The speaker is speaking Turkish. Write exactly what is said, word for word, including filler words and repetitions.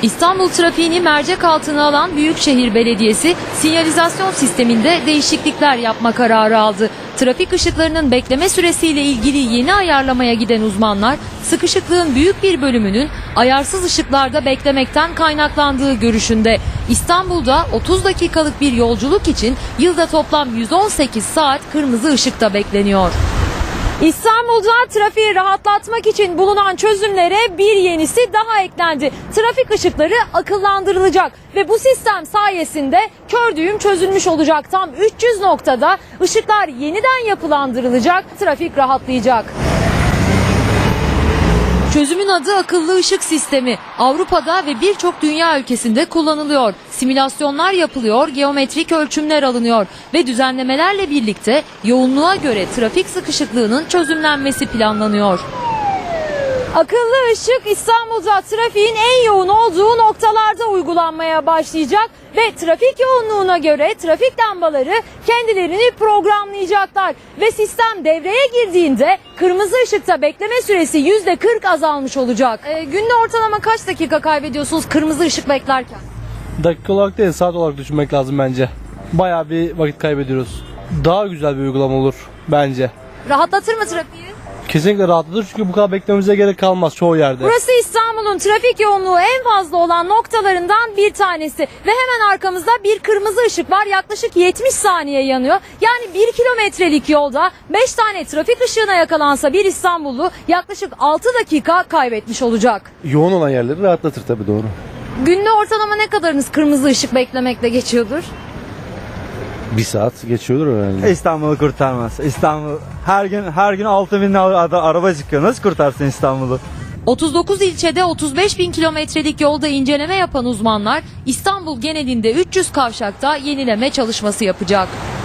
İstanbul trafiğini mercek altına alan Büyükşehir Belediyesi sinyalizasyon sisteminde değişiklikler yapma kararı aldı. Trafik ışıklarının bekleme süresiyle ilgili yeni ayarlamaya giden uzmanlar sıkışıklığın büyük bir bölümünün ayarsız ışıklarda beklemekten kaynaklandığı görüşünde. İstanbul'da otuz dakikalık bir yolculuk için yılda toplam yüz on sekiz saat kırmızı ışıkta bekleniyor. İstanbul'da trafiği rahatlatmak için bulunan çözümlere bir yenisi daha eklendi. Trafik ışıkları akıllandırılacak ve bu sistem sayesinde kör düğüm çözülmüş olacak. Tam üç yüz noktada ışıklar yeniden yapılandırılacak, trafik rahatlayacak. Çözümün adı akıllı ışık sistemi. Avrupa'da ve birçok dünya ülkesinde kullanılıyor. Simülasyonlar yapılıyor, geometrik ölçümler alınıyor ve düzenlemelerle birlikte yoğunluğa göre trafik sıkışıklığının çözümlenmesi planlanıyor. Akıllı ışık İstanbul'da trafiğin en yoğun olduğu noktalarda uygulanmaya başlayacak ve trafik yoğunluğuna göre trafik lambaları kendilerini programlayacaklar ve sistem devreye girdiğinde kırmızı ışıkta bekleme süresi yüzde kırk azalmış olacak. E, günde ortalama kaç dakika kaybediyorsunuz kırmızı ışık beklerken? Dakika olarak değil, saat olarak düşünmek lazım bence. Bayağı bir vakit kaybediyoruz. Daha güzel bir uygulama olur bence. Rahatlatır mı trafiği? Kesinlikle rahatlatır çünkü bu kadar beklememize gerek kalmaz çoğu yerde. Burası İstanbul'un trafik yoğunluğu en fazla olan noktalarından bir tanesi ve hemen arkamızda bir kırmızı ışık var. Yaklaşık yetmiş saniye yanıyor. Yani bir kilometrelik yolda beş tane trafik ışığına yakalansa bir İstanbullu yaklaşık altı dakika kaybetmiş olacak. Yoğun olan yerleri rahatlatır tabii, doğru. Günde ortalama ne kadarınız kırmızı ışık beklemekle geçiyordur? Bir saat geçiyordur herhalde. İstanbul'u kurtarmaz. İstanbul her gün her gün altı bin araba çıkıyor. Nasıl kurtarsın İstanbul'u? otuz dokuz ilçede otuz beş bin kilometrelik yolda inceleme yapan uzmanlar İstanbul genelinde üç yüz kavşakta yenileme çalışması yapacak.